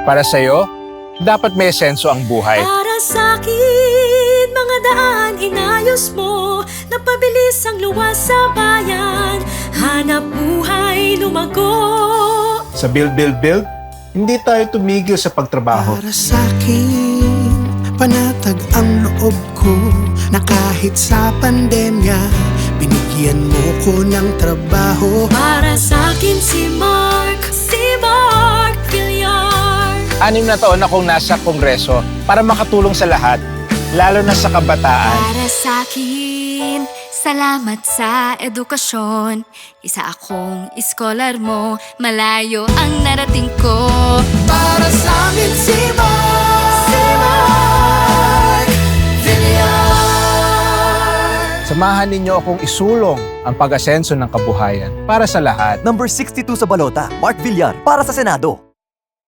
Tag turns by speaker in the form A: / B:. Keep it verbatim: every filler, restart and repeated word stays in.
A: Para sa'yo, dapat may senso ang buhay.
B: Para sa'kin, mga daan inayos mo. Napabilis ang luwas sa bayan. Hanap buhay, lumago.
A: Sa Build Build Build, hindi tayo tumigil sa pagtrabaho.
C: Para sa'kin, panatag ang loob ko na kahit sa pandemya, binigyan mo ko ng trabaho.
B: Para sa'kin si Mark, si Mark Villar.
A: Anim na taon akong nasa Kongreso para makatulong sa lahat, lalo na sa kabataan.
B: Para sa'kin, salamat sa edukasyon. Isa akong iskolar mo, malayo ang narating ko.
C: Para sa'min si Mark, si Mark Villar.
A: Samahan ninyo akong isulong ang pag-asenso ng kabuhayan para sa lahat.
D: Number sixty-two sa balota, Mark Villar, para sa Senado.